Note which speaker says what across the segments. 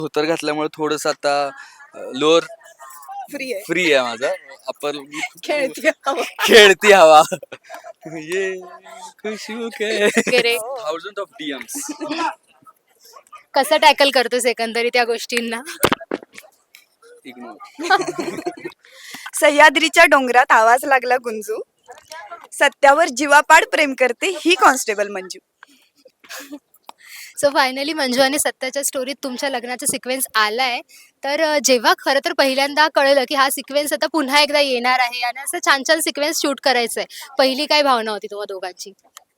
Speaker 1: धोतर घातल्यामुळे थोडस आता लोअर
Speaker 2: फ्री आहे.
Speaker 1: फ्री आहे माझा. आपण
Speaker 2: खेळती हवा.
Speaker 1: खेळती हवा. ये खुशबू के
Speaker 3: वगैरे
Speaker 1: थाउजंड ऑफ डीएम्स.
Speaker 3: कसं टॅकल करतोस एकंदरीत या गोष्टींना?
Speaker 1: इग्नोर.
Speaker 2: सह्याद्रीच्या डोंगरात आवाज लागला गुंजू, सत्यावर जीवापाड प्रेम करते ही constable Manju.
Speaker 3: So finally Manju आणि सत्याच्या स्टोरीत तुमच्या लग्नाचा सिक्वेन्स आलाय. तर जेव्हा खरं तर पहिल्यांदा कळलं की हा सिक्वेन्स आता पुन्हा एकदा येणार आहे आणि असं छान छान सिक्वेन्स शूट करायचंय, पहिली काय भावना होती तुम्हा दोघांची?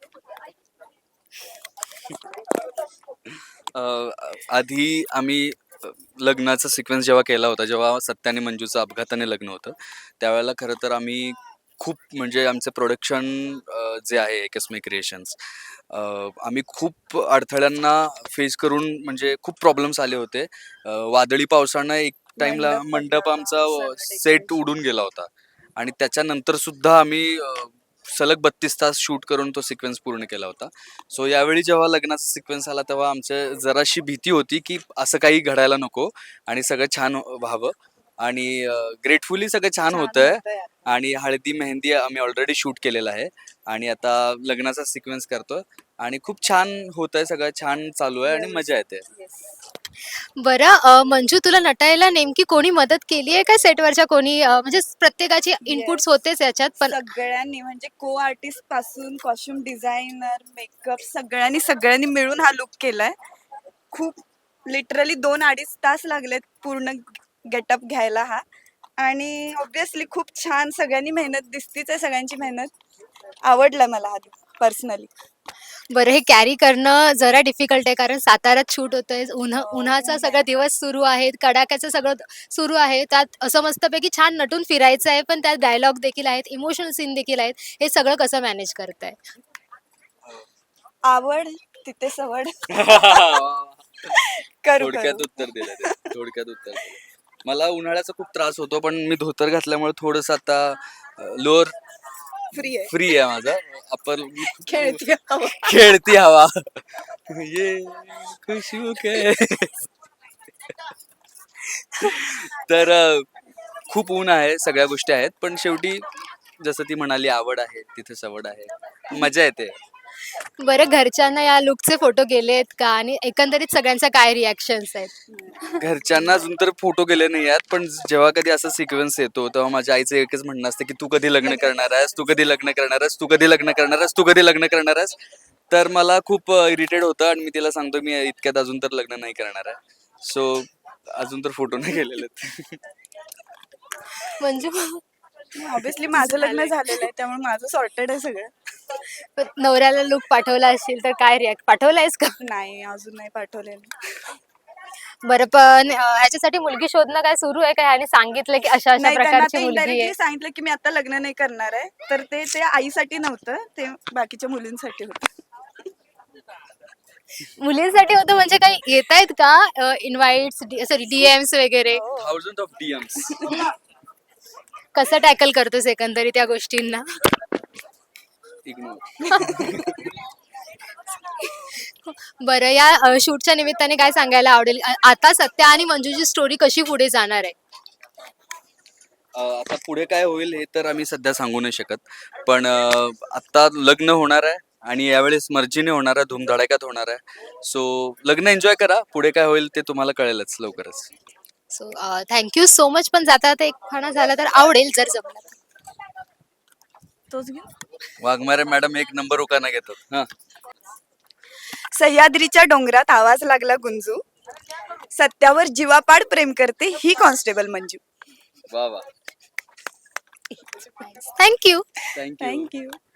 Speaker 1: आधी आम्ही लग्नाचा सिक्वेन्स जेव्हा केला होता, जेव्हा सत्या आणि मंजूचं अपघाताने लग्न होतं, त्यावेळेला खरं तर आम्ही खूप म्हणजे आमचं प्रोडक्शन जे आहे एकस्मे क्रिएशन्स, आम्ही खूप अडथळ्यांना फेस करून म्हणजे खूप प्रॉब्लेम्स आले होते. वादळी पावसानं एक टाइमला मंडप आमचा सेट उडून गेला होता आणि त्याच्यानंतर सुद्धा आम्ही सलग 32 तास शूट करून तो सिक्वेन्स पूर्ण केला होता. सो यावेळी जेव्हा लग्नाचा सिक्वेन्स आला तेव्हा आमच्या जराशी भीती होती की असं काही घडायला नको आणि सगळं छान व्हावं. आणि ग्रेटफुली सगळं छान होतंय. आणि हळदी मेहंदी आम्ही ऑलरेडी शूट केलेलं आहे आणि आता लग्नाचा सिक्वेन्स करतोय आणि खूप छान होतंय, सगळं छान चालू आहे आणि मजा येते.
Speaker 3: बरं, मंजू तुला नटायला नेमकी कोणी मदत केली आहे का सेटवरच्या कोणी? म्हणजे प्रत्येकाची इनपुट्स होतेच याच्यात, पण
Speaker 2: सगळ्यांनी म्हणजे को आर्टिस्ट पासून कॉस्ट्युम डिझायनर, मेकअप सगळ्यांनी मिळून हा लुक केलाय. खूप लिटरली 2-2.5 तास लागलेत पूर्ण गेटअप घ्यायला हा. आणि ऑब्विसली खूप छान सगळ्यांनी मेहनत दिसतीच आहे, सगळ्यांची मेहनत. आवडला मला हा पर्सनली.
Speaker 3: बरं, हे कॅरी करणं जरा डिफिकल्ट आहे कारण साताऱ्यात शूट होतंय, उन्हाचा सगळा दिवस सुरू आहे, कडाक्याचं सगळं सुरू आहे, त्यात असं मस्तपैकी छान नटून फिरायचं आहे, पण त्यात डायलॉग देखील आहेत, इमोशनल सीन देखील आहेत. हे सगळं कसं मॅनेज करताय?
Speaker 2: आवड तिथे सवड. करू
Speaker 1: थोडक्यात उत्तर दिलं ते. थोडक्यात उत्तर दिलं. मला उन्हाळ्याचा खूप त्रास होतो, पण मी धोतर घातल्यामुळे थोडस आता लोअर
Speaker 2: फ्री आहे.
Speaker 1: फ्री आहे माझा. आपण
Speaker 2: खेळती हवा.
Speaker 1: खेळती हवा. ये खुशबू के. तर खूप ऊन आहे, सगळ्या गोष्टी आहेत, पण शेवटी जसं ती म्हणाली आवड आहे तिथे सवड आहे, मजा येते.
Speaker 3: बरं, घरच्यांना या लुकचे फोटो गेलेत का आणि एकंदरीत सगळ्यांचा काय रिॲक्शन्स आहेत?
Speaker 1: घरच्यांना अजून तर फोटो गेले नाही आहेत, पण जेव्हा कधी असा सिक्वेन्स येतो तेव्हा माझ्या आईचं एकच म्हणणं असतं की तू कधी लग्न करणार आहेस, तू कधी लग्न करणार आहेस, तू कधी लग्न करणार आहेस, तू कधी लग्न करणार आहेस. तर मला खूप इरिटेट होतं आणि मी तिला सांगतो मी इतक्यात अजून तर लग्न नाही करणार आहे. सो अजून तर फोटो नाही गेलेले.
Speaker 3: म्हणजे
Speaker 2: ऑब्विसली माझं लग्न झालेलं आहे, त्यामुळे माझं सॉर्टेड आहे सगळं.
Speaker 3: नवऱ्याला लुक पाठवला असेल तर काय रिॲक्ट पाठवलायस का?
Speaker 2: नाही, अजून नाही पाठवलेलं.
Speaker 3: बरं, पण ह्याच्यासाठी मुलगी शोधणं काय सुरू आहे का? ह्याने सांगितलं की अशा अशा
Speaker 2: नाही, त्यांना
Speaker 3: प्रकारची
Speaker 2: ते
Speaker 3: मुलगी आहे?
Speaker 2: इनडायरेक्टली सांगितलं की मी आता लग्न नाही करणार आहे. तर ते आईसाठी नव्हतं, ते बाकीच्या मुलींसाठी होतं.
Speaker 3: मुलींसाठी होतं म्हणजे काही येत आहेत का इन्व्हाइट्स, सॉरी डीएम्स वगैरे?
Speaker 1: Thousand of DMs.
Speaker 3: कसं टॅकल करतोस एकंदरीत या गोष्टींना?
Speaker 1: इग्नोर.
Speaker 3: बरं, या शूटच्या निमित्ताने काय सांगायला आवडेल? आता सत्या आणि मंजूची स्टोरी कशी पुढे जाणार आहे?
Speaker 1: आता पुढे काय होईल हे तर आम्ही सध्या सांगू नाही शकत, पण आता लग्न होणार आहे आणि यावेळेस मर्जीने होणार आहे, धूमधडाक्यात होणार आहे. सो लग्न एन्जॉय करा, पुढे काय होईल ते तुम्हाला कळेलच लवकरच.
Speaker 3: So thank you so much. पण जाता जाता एक खाना झाला तर आवडेल जर जमलं तर.
Speaker 2: तोच घे.
Speaker 1: वाघमारे मॅडम एक नंबर उखाणा घेतात. हा,
Speaker 2: सह्याद्रीच्या डोंगरात आवाज लागला गुंजू, सत्यावर जीवापाड प्रेम करते ही कॉन्स्टेबल मंजू.
Speaker 1: वा वा.
Speaker 3: थँक्यू.
Speaker 1: थँक्यू.
Speaker 2: थँक्यू.